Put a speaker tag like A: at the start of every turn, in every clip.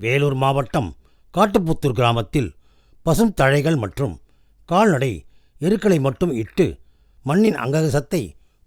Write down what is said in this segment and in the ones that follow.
A: வேலூர் மாவட்டம் காட்டுப்புத்தூர் கிராமத்தில் பசும் தழைகள் மற்றும் கால்நடை எருக்களை மட்டும் இட்டு மண்ணின் அங்ககசத்தை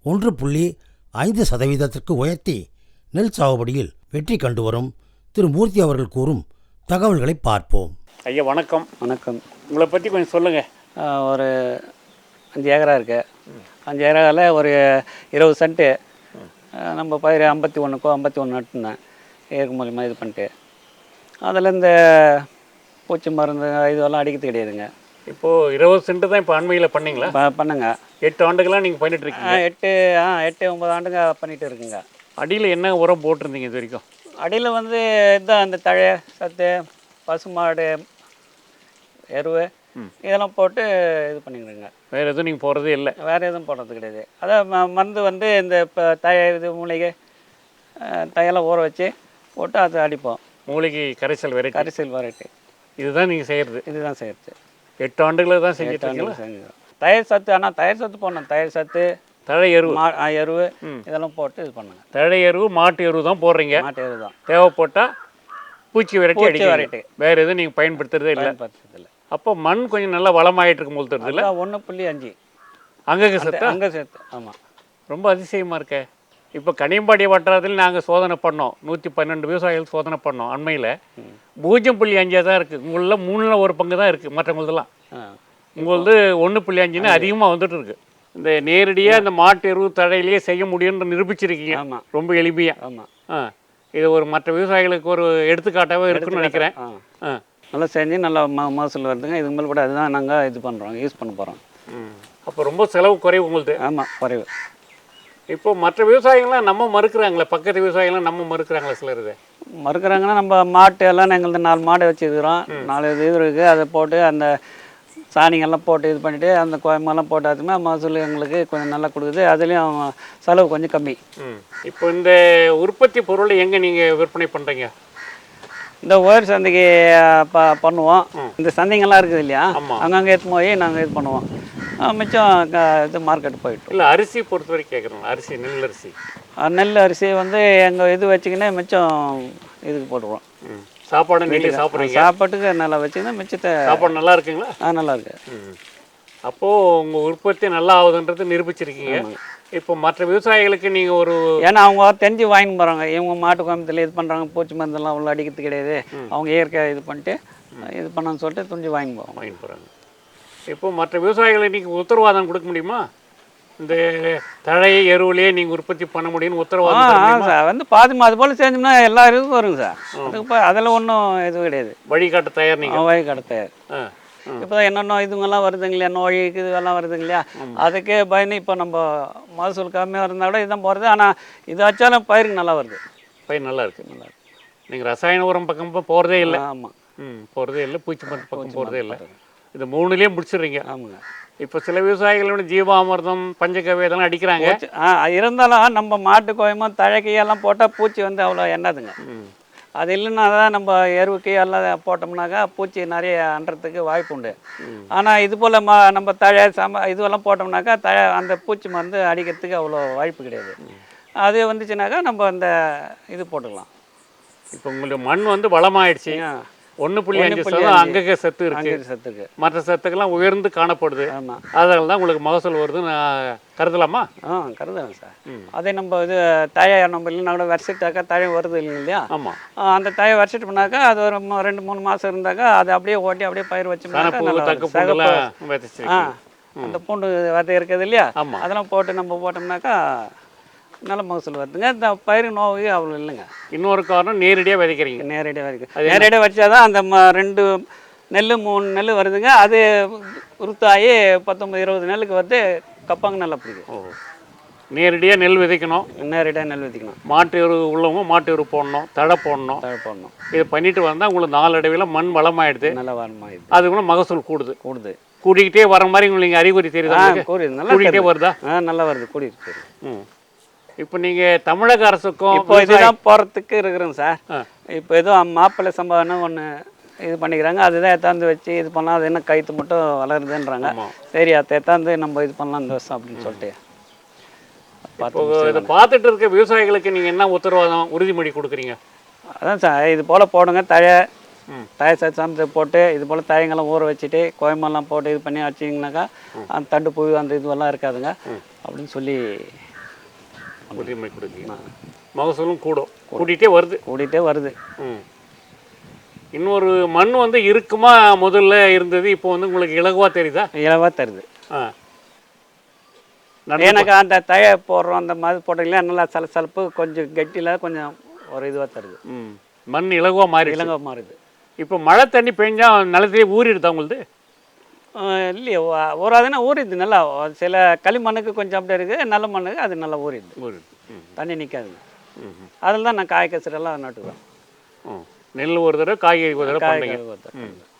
A: 1.5% உயர்த்தி நெல் சாகுபடியில் வெற்றி கண்டு வரும் திரு மூர்த்தி அவர்கள் கூறும் தகவல்களை பார்ப்போம்.
B: ஐயா வணக்கம்.
C: வணக்கம்.
B: உங்களை பற்றி கொஞ்சம் சொல்லுங்கள்.
C: ஒரு 5 ஏக்கரா இருக்குது. 5 ஏக்கராவில் ஒரு 20 சென்ட்டு நம்ம பயிர் 51 நட்டுனேன். ஏற்கு மூலியமாக இது பண்ணிட்டு அதில் இந்த பூச்சி மருந்து இதெல்லாம் அடிக்கிறது கிடையாதுங்க.
B: இப்போது 20 சென்ட்டு தான் இப்போ அண்மையில் பண்ணிங்களா?
C: பண்ணுங்க.
B: 8 ஆண்டுகளாக நீங்கள் பண்ணிட்டுருக்கீங்க?
C: 8-9 ஆண்டுங்க பண்ணிகிட்டு இருக்குங்க.
B: அடியில் என்ன உரம் போட்டிருந்தீங்க இது வரைக்கும்?
C: அடியில் வந்து இதுதான் இந்த தழை சத்து பசுமாடு எருவு இதெல்லாம் போட்டு இது பண்ணிக்கிறேங்க.
B: வேறு எதுவும் நீங்கள் போடுறதே இல்லை?
C: வேறு எதுவும் போடுறது கிடையாது. அதான் மருந்து வந்து இந்த இப்போ இது மூலிகை தையெல்லாம் ஊற வச்சு போட்டு அதை அடிப்போம்.
B: மூலிகை கரைசல்
C: வெரைட்டி
B: இதுதான் நீங்கள் செய்கிறது?
C: இதுதான் செய்கிறது.
B: 8 ஆண்டுகளில் தான் செஞ்சுட்டு
C: செஞ்சுக்கிறோம். தயிர் சத்து, ஆனால் தயிர் சத்து போடணும். தயிர் சத்து,
B: தழை எருவு,
C: எருவு இதெல்லாம் போட்டு இது பண்ணுங்க.
B: தழை எருவு மாட்டு எருவு தான் போடுறீங்க?
C: மாட்டு எருவு தான்.
B: தேவைப்பட்டால் பூச்சி வெரைட்டி வேறு எதுவும் நீங்கள் பயன்படுத்துறதே இல்லை? அப்போ மண் கொஞ்சம் நல்லா வளமாயிட்டு இருக்கும் போது தருது இல்லை?
C: 1.5
B: அங்கே சேர்த்து
C: ஆமாம்.
B: ரொம்ப அதிசயமாக இருக்கே. இப்போ கனியம்பாடி வட்டாரத்தில் நாங்கள் சோதனை பண்ணோம். 112 விவசாயிகள் சோதனை பண்ணோம். அண்மையில் 0.5 தான் இருக்குது. உங்களில் 3ல் 1 பங்கு தான் இருக்குது. மற்றவங்களதெல்லாம் உங்களது 1.5ன்னு அதிகமாக வந்துட்டு இருக்கு. இந்த நேரடியாக இந்த மாட்டு எருவு தழையிலேயே செய்ய முடியும்னு நிரூபிச்சிருக்கீங்க.
C: ஆமாம்,
B: ரொம்ப எளிமையாக.
C: ஆமாம்.
B: இது ஒரு மற்ற விவசாயிகளுக்கு ஒரு எடுத்துக்காட்டாகவே இருக்குன்னு நினைக்கிறேன்.
C: நல்லா செஞ்சு நல்லா மகசூல் வருதுங்க. இதுக்கு மேலே கூட அதுதான் நாங்கள் இது பண்ணுறோம், யூஸ் பண்ண போகிறோம்.
B: அப்போ ரொம்ப செலவு குறைவு உங்களுக்கு?
C: ஆமாம், குறைவு.
B: இப்போ மற்ற விவசாயிகள்லாம் நம்ம மறுக்கிறாங்களே, பக்கத்து விவசாயிகள்லாம் நம்ம மறுக்கிறாங்களே சிலர். இது
C: மறுக்கிறாங்கன்னா நம்ம மாட்டு எல்லாம் எங்களுக்கு 4 மாடு வச்சுருக்கிறோம். 4 இது இருக்குது. அதை போட்டு அந்த சாணிங்கெல்லாம் போட்டு இது பண்ணிவிட்டு அந்த கோயமெல்லாம் போட்டு அதுமே மகசூல் எங்களுக்கு கொஞ்சம் நல்லா கொடுக்குது. அதுலேயும் செலவு கொஞ்சம் கம்மி.
B: இப்போ இந்த உற்பத்தி பொருளை எங்கே நீங்கள் விற்பனை பண்ணுறீங்க?
C: இந்த ஒயர் சந்தைக்கு பண்ணுவோம். இந்த சந்தைங்கள்லாம் இருக்குது இல்லையா, அங்கங்கே எடுத்து போய் நாங்கள் இது பண்ணுவோம். மிச்சம் இது மார்க்கெட் போயிட்டோம்.
B: இல்லை அரிசி பொறுத்த வரைக்கும் கேட்குறோம். அரிசி
C: நெல் அரிசி வந்து எங்கள் இது வச்சுக்கினே மிச்சம் இதுக்கு போட்டுருவோம்.
B: சாப்பாடு நீங்கள் சாப்பிட்றீங்க?
C: சாப்பாட்டுக்கு நல்லா வச்சுக்கினா மிச்சத்தை.
B: சாப்பாடு நல்லா இருக்குங்களா?
C: நல்லா இருக்கு.
B: அப்போது உங்கள் உற்பத்தி நல்லா ஆகுதுன்றது நிரூபிச்சிருக்கீங்க. இப்போ மற்ற விவசாயிகளுக்கு நீங்கள் ஒரு,
C: ஏன்னா அவங்க தெரிஞ்சு வாங்கின்னு போகிறாங்க. இவங்க மாட்டு கோயம்புத்தூர்ல இது பண்ணுறாங்க, பூச்சி மருந்தெல்லாம் அவ்வளோ அடிக்கிறது கிடையாது, அவங்க இயற்கையாக இது பண்ணிட்டு இது பண்ணான்னு சொல்லிட்டு துணிஞ்சு வாங்கின்னு போகிறாங்க.
B: இப்போ மற்ற விவசாயிகளுக்கு நீங்கள் உத்தரவாதம் கொடுக்க முடியுமா? இந்த தழை எருவுலேயே நீங்கள் உற்பத்தி பண்ண முடியும்னு உத்தரவாதம்
C: சார் வந்து பாதிமா அது போல் செஞ்சோம்னா எல்லா இதுக்கும் வருங்க சார். அதுக்கு அதில் ஒன்றும் இது கிடையாது.
B: வழிகாட்ட தயார்? நீங்கள்
C: வழிகாட்ட தயார். இப்போ தான் என்னென்ன இதுங்கெல்லாம் வருதுங்க இல்லையா, நோய்க்கு இதெல்லாம் வருதுங்க இல்லையா, அதுக்கே பயந்து இப்போ நம்ம மகசூல் கம்மியாக இருந்தால் கூட இதுதான் போகிறது. ஆனால் இது வச்சாலும் பயிருக்கு நல்லா வருது.
B: பயிர் நல்லா இருக்குது. நீங்கள் ரசாயன உரம் பக்கம் போகிறதே இல்லை?
C: ஆமாம்,
B: போகிறதே இல்லை. பூச்சி மருந்து பக்கம் போகிறதே இல்லை. இது 3லேயே முடிச்சிடுறீங்க?
C: ஆமாங்க.
B: இப்போ சில விவசாயிகளோட ஜீவாமிர்தம் பஞ்சகவ்யம் இதெல்லாம் அடிக்கிறாங்க.
C: இருந்தாலும் நம்ம மாட்டு கோயமோ தழைக்கையெல்லாம் போட்டால் பூச்சி வந்து அவ்வளோ எண்ணாதுங்க. அது இல்லைன்னா தான் நம்ம எருவுக்கு எல்லாம் போட்டோம்னாக்கா பூச்சி நிறைய அன்றதுக்கு வாய்ப்பு உண்டு. ஆனால் இது போல் நம்ம தழை இதுவெல்லாம் போட்டோம்னாக்கா அந்த பூச்சி மருந்து அடிக்கிறதுக்கு அவ்வளோ வாய்ப்பு கிடையாது. அது வந்துச்சுனாக்கா நம்ம அந்த இது போட்டுக்கலாம்.
B: இப்போ உங்களுக்கு மண் வந்து வளமாயிடுச்சு. 1.5% அங்கக சத்து இருக்கு. மற்ற சத்துக்கெல்லாம் உயர்ந்து காணப்படுது. அதனால தான் உங்களுக்கு மகசூல் வருதுன்னு கருதலாமா?
C: கருதலாம் சார். அதே நம்ம இது தழையை நம்ம இல்லைன்னா கூட வரிசைட்டாக்கா தழை வருது இல்லையா?
B: ஆமாம்.
C: அந்த தழையை வரிசைட்டு பண்ணாக்கா அது ஒரு 2-3 மாதம் இருந்தாக்கா அதை அப்படியே ஓட்டி அப்படியே பயிர் வச்சோம்னா அந்த பூண்டு விதை இருக்குது இல்லையா, அதெல்லாம் போட்டு நம்ம போட்டோம்னாக்கா நல்ல மகசூல் வருதுங்க. இந்த பயிர் நோவு அவ்வளோ இல்லைங்க.
B: இன்னொரு காரணம் நேரடியாக விதைக்கிறீங்க.
C: நேரடியாக வச்சாதான் அந்த 2 நெல் 3 நெல் வருதுங்க. அது உருத்தாகி 19-20 நெல்லுக்கு வந்து கப்பாங்க நல்லா பிடிக்கும்.
B: நேரடியாக நெல் விதைக்கணும். மாட்டு எரு உள்ளவங்க மாட்டு எரு போடணும், தழை போடணும். இதை பண்ணிட்டு வந்தால் உங்களுக்கு நாளடைவில் மண் வளமாயிடுது.
C: நல்லா வளமாயிடுது.
B: அதுக்குள்ள மகசூல் கூடிக்கிட்டே வர மாதிரி உங்களுக்கு அறிகுறி தெரியுதா? கூடிக்கிட்டே வருதா?
C: நல்லா வருது, கூடிட்டு.
B: இப்போ நீங்கள் தமிழக அரசுக்கும்
C: இப்போ இதுதான் போகிறதுக்கு இருக்கிறோங்க சார். இப்போ எதுவும் மாப்பிள்ளை சம்பவம்னு ஒன்று இது பண்ணிக்கிறாங்க. அதுதான் எத்தாந்து வச்சு இது பண்ணலாம். அது என்ன கைத்து மட்டும் வளருதுன்றாங்க. சரி அதை எத்தாந்து நம்ம இது பண்ணலாம் இந்த வருஷம் அப்படின்னு சொல்லிட்டு
B: இதை பார்த்துட்டு இருக்க விவசாயிகளுக்கு நீங்கள் என்ன உத்தரவாதம் உறுதிமொழி கொடுக்குறீங்க?
C: அதான் சார் இது போல் போடுங்க தழை சமைச்சு போட்டு இது போல் தழைங்கெல்லாம் ஊற வச்சுட்டு கோயமெல்லாம் போட்டு இது பண்ணி வச்சிங்கனாக்கா அந்த தண்டு புழு அந்த இதுவெல்லாம் இருக்காதுங்க அப்படின்னு சொல்லி
B: உறுதிமொழி கொடுத்தீங்க. மகசூலும் கூட்டிகிட்டே வருது. இன்னொரு மண் வந்து இருக்குமா முதல்ல இருந்தது, இப்போ வந்து உங்களுக்கு இலகுவா தெரியுதா?
C: இலவா தருது. எனக்கு அந்த தழை போடுறோம் அந்த மாதிரி போட்டீங்களா நல்லா சலசலப்பு கொஞ்சம் கெட்டியில் கொஞ்சம் ஒரு இதுவாக தருது.
B: மண் இலகுவா
C: மாறுது.
B: இப்போ மழை தண்ணி பெஞ்சா நிலத்திலே ஊறிடுதா உங்களுக்கு?
C: இல்லையே ஊறாதுன்னா ஊறிடுது நல்லா. சில களிமண்ணுக்கு கொஞ்சம் அப்படி இருக்குது, நல்ல மண்ணுக்கு அது நல்லா ஊறிடுது, தண்ணி நிற்காதுங்க. அதில் தான் நான் காய் கசரெல்லாம் நட்டுவேன்.
B: நெல் ஒரு தடவை, காய்கறி ஒரு தடவை.